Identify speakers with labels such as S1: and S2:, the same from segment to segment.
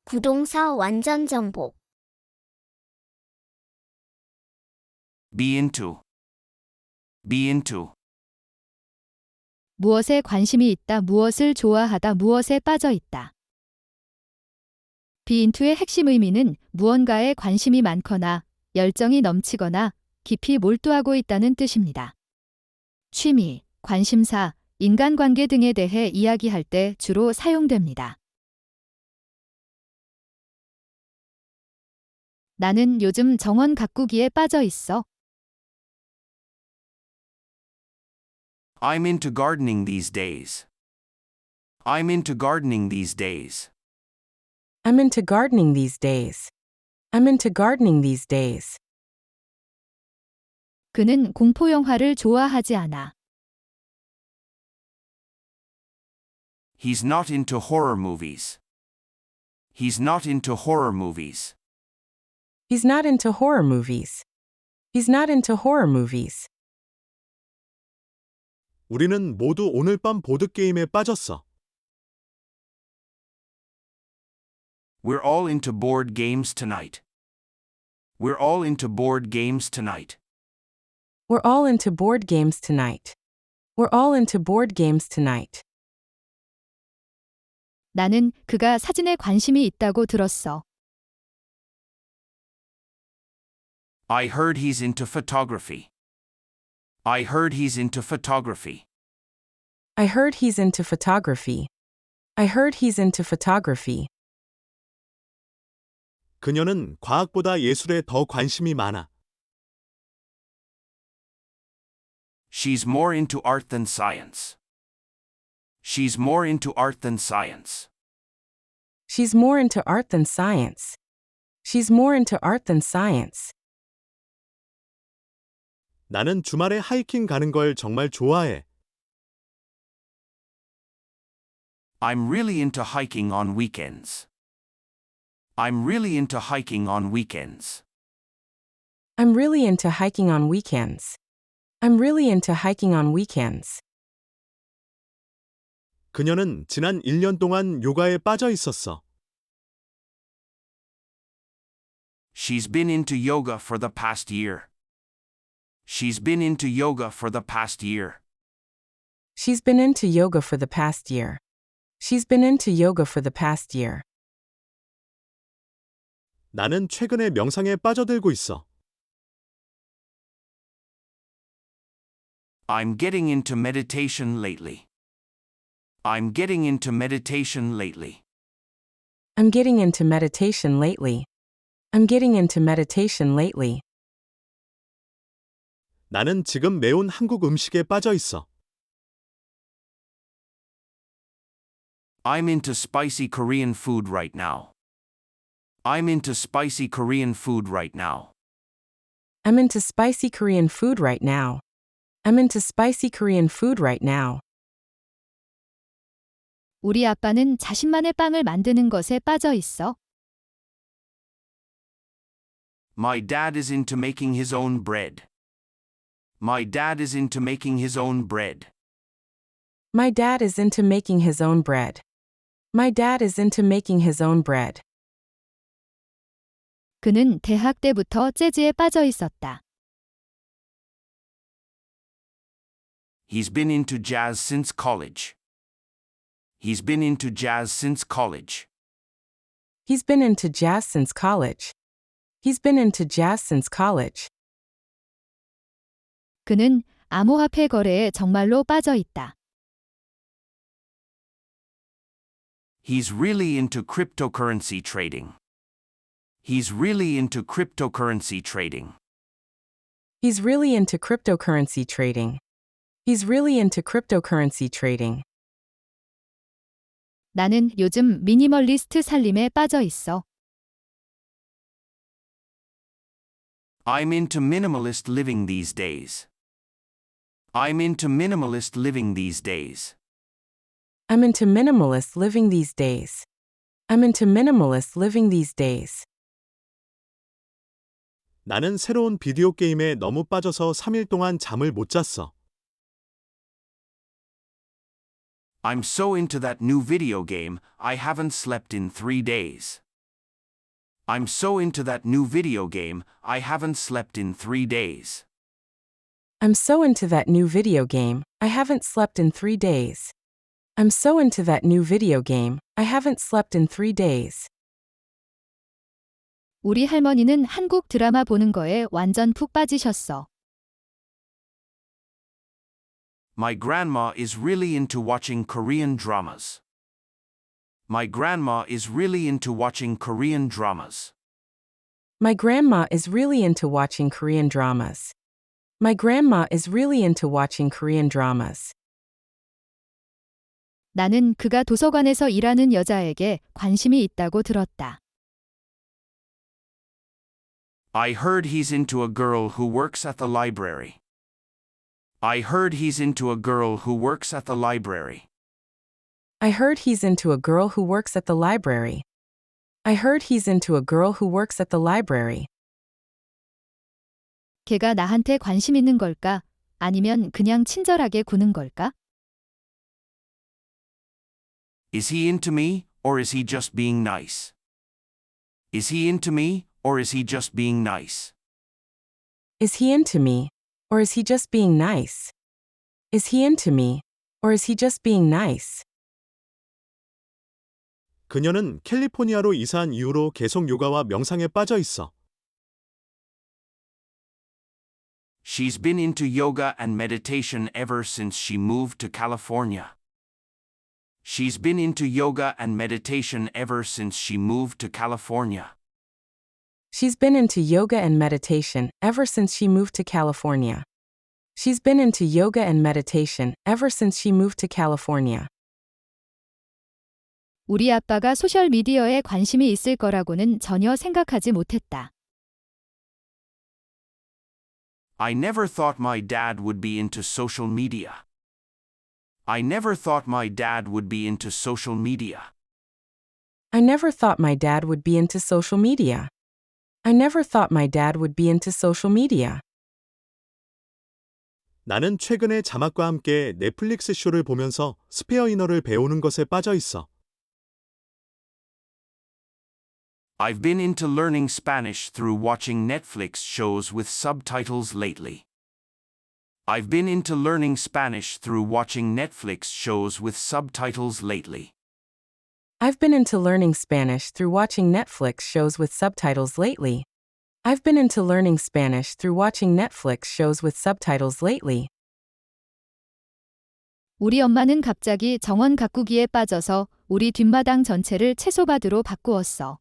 S1: 부동사 완전 정복.
S2: Be into. Be into.
S3: 무엇에 관심이 있다, 무엇을 좋아하다, 무엇에 빠져 있다. be into의 핵심 의미는 무언가에 관심이 많거나 열정이 넘치거나 깊이 몰두하고 있다는 뜻입니다. 취미, 관심사, 인간관계 등에 대해 이야기할 때 주로 사용됩니다. 나는 요즘 정원 가꾸기에 빠져 있어.
S2: I'm into gardening these days. I'm into gardening these days.
S4: I'm into gardening these days. I'm into gardening these days.
S3: 그는 공포 영화를 좋아하지 않아.
S2: He's not into horror movies. He's not into horror movies.
S4: He's not into horror movies. He's not into horror movies.
S5: 우리는 모두 오늘 밤 보드게임에 빠졌어.
S2: We're all into board games tonight. We're all into board games tonight.
S4: We're all into board games tonight. We're all into board games tonight.
S3: 나는 그가 사진에 관심이 있다고 들었어.
S2: I heard he's into photography. I heard he's into photography.
S4: I heard he's into photography. I heard he's into photography.
S5: 그녀는 과학보다 예술에 더 관심이 많아.
S2: She's more into art than science. She's more into art than science.
S4: She's more into art than science. She's more into art than science.
S5: 나는 주말에 하이킹 가는 걸 정말 좋아해.
S2: I'm really into hiking on weekends. I'm really into hiking on weekends.
S4: I'm really into hiking on weekends. I'm really into hiking on weekends.
S5: 그녀는 지난 1년 동안 요가에 빠져 있었어.
S2: She's been into yoga for the past year. She's been into yoga for the past year.
S4: She's been into yoga for the past year. She's been into yoga for the past year.
S5: 나는 최근에 명상에 빠져들고 있어.
S2: I'm getting into meditation lately. I'm getting into meditation lately.
S4: I'm getting into meditation lately. I'm getting into meditation lately.
S5: 나는 지금 매운 한국 음식에 빠져 있어.
S2: I'm into spicy Korean food right now. I'm into spicy Korean food right now.
S4: I'm into spicy Korean food right now. I'm into spicy Korean food right now.
S3: 우리 아빠는 자신만의 빵을 만드는 것에 빠져 있어.
S2: My dad is into making his own bread. My dad is into making his own bread.
S4: My dad is into making his own bread. My dad is into making his own bread.
S3: 그는 대학 때부터 재즈에 빠져 있었다.
S2: He's been into jazz since college. He's been into jazz since college.
S4: He's been into jazz since college. He's been into jazz since college.
S3: 그는 암호화폐 거래에 정말로 빠져 있다.
S2: He's really into cryptocurrency trading. He's really into cryptocurrency trading.
S4: He's really into cryptocurrency trading. He's really into cryptocurrency trading.
S3: 나는 요즘 미니멀리스트 살림에 빠져 있어.
S2: I'm into minimalist living these days. I'm into minimalist living these days.
S4: I'm into minimalist living these days. I'm into minimalist living these days.
S5: 나는 새로운 비디오 게임에 너무 빠져서 3일 동안 잠을 못 잤어.
S2: I'm so into that new video game, I haven't slept in 3 days. I'm so into that new video game, I haven't slept in 3 days.
S4: I'm so into that new video game, I haven't slept in 3 days. I'm so into that new video game, I haven't slept in 3 days.
S3: 우리 할머니는 한국 드라마 보는 거에 완전 푹 빠지셨어.
S2: My grandma is really into watching Korean dramas. My grandma is really into watching Korean dramas.
S4: My grandma is really into watching Korean dramas. My grandma is really into watching Korean dramas.
S3: 나는 그가 도서관에서 일하는 여자에게 관심이 있다고 들었다.
S2: I heard he's into a girl who works at the library. I heard he's into a girl who works at the library.
S4: I heard he's into a girl who works at the library. I heard he's into a girl who works at the library.
S3: 걔가 나한테 관심 있는 걸까? 아니면 그냥 친절하게 구는 걸까?
S2: Is he into me, or is he just being nice? Is he into me, or is he just being nice?
S4: Is he into me, or is he just being nice? Is he into me, or is he just being nice?
S5: 그녀는 캘리포니아로 이사한 이후로 계속 요가와 명상에 빠져 있어.
S2: She's been into yoga and meditation ever since she moved to California. She's been into yoga and meditation ever since she moved to California.
S4: She's been into yoga and meditation ever since she moved to California. She's been into yoga and meditation ever since she moved to California.
S3: 우리 아빠가 소셜미디어에 관심이 있을 거라고는 전혀 생각하지 못했다.
S2: I never thought my dad would be into social media. I never thought my dad would be into social media.
S4: I never thought my dad would be into social media. I never thought my dad would be into social media.
S5: 나는 최근에 자막과 함께 넷플릭스 쇼를 보면서 스페어 인어를 배우는 것에 빠져 있어.
S2: I've been into learning Spanish through watching Netflix shows with subtitles lately. I've been into learning Spanish through watching Netflix shows with subtitles lately.
S4: I've been into learning Spanish through watching Netflix shows with subtitles lately. I've been into learning Spanish through watching Netflix shows with subtitles lately.
S3: 우리 엄마는 갑자기 정원 가꾸기에 빠져서 우리 뒷마당 전체를 채소밭으로 바꾸었어.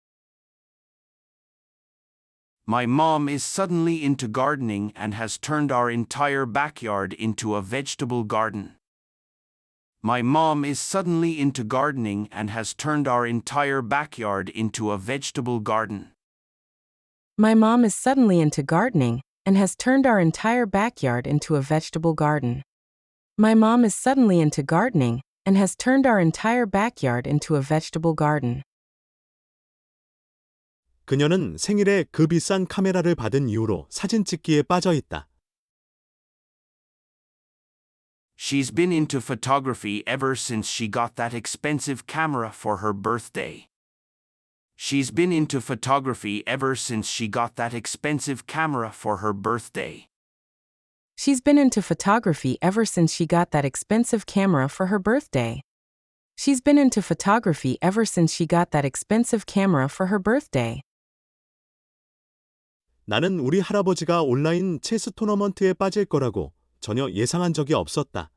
S2: My mom is suddenly into gardening and has turned our entire backyard into a vegetable garden. My mom is suddenly into gardening and has turned our entire backyard into a vegetable garden.
S4: My mom is suddenly into gardening and has turned our entire backyard into a vegetable garden. My mom is suddenly into gardening and has turned our entire backyard into a vegetable garden.
S5: 그녀는 생일에 그 비싼 카메라를 받은 이후로 사진 찍기에 빠져 있다.
S2: She's been into photography ever since she got that expensive camera for her birthday. She's been into photography ever since she got that expensive camera for her birthday.
S4: She's been into photography ever since she got that expensive camera for her birthday. She's been into photography ever since she got that expensive camera for her birthday.
S5: 나는 우리 할아버지가 온라인 체스 토너먼트에 빠질 거라고 전혀 예상한 적이 없었다.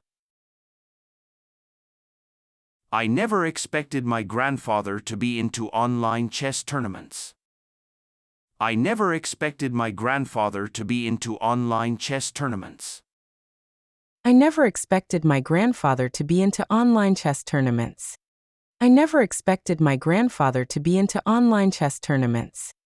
S2: I never expected my grandfather to be into online chess tournaments. I never expected my grandfather to be into online chess tournaments.
S4: I never expected my grandfather to be into online chess tournaments. I never expected my grandfather to be into online chess tournaments.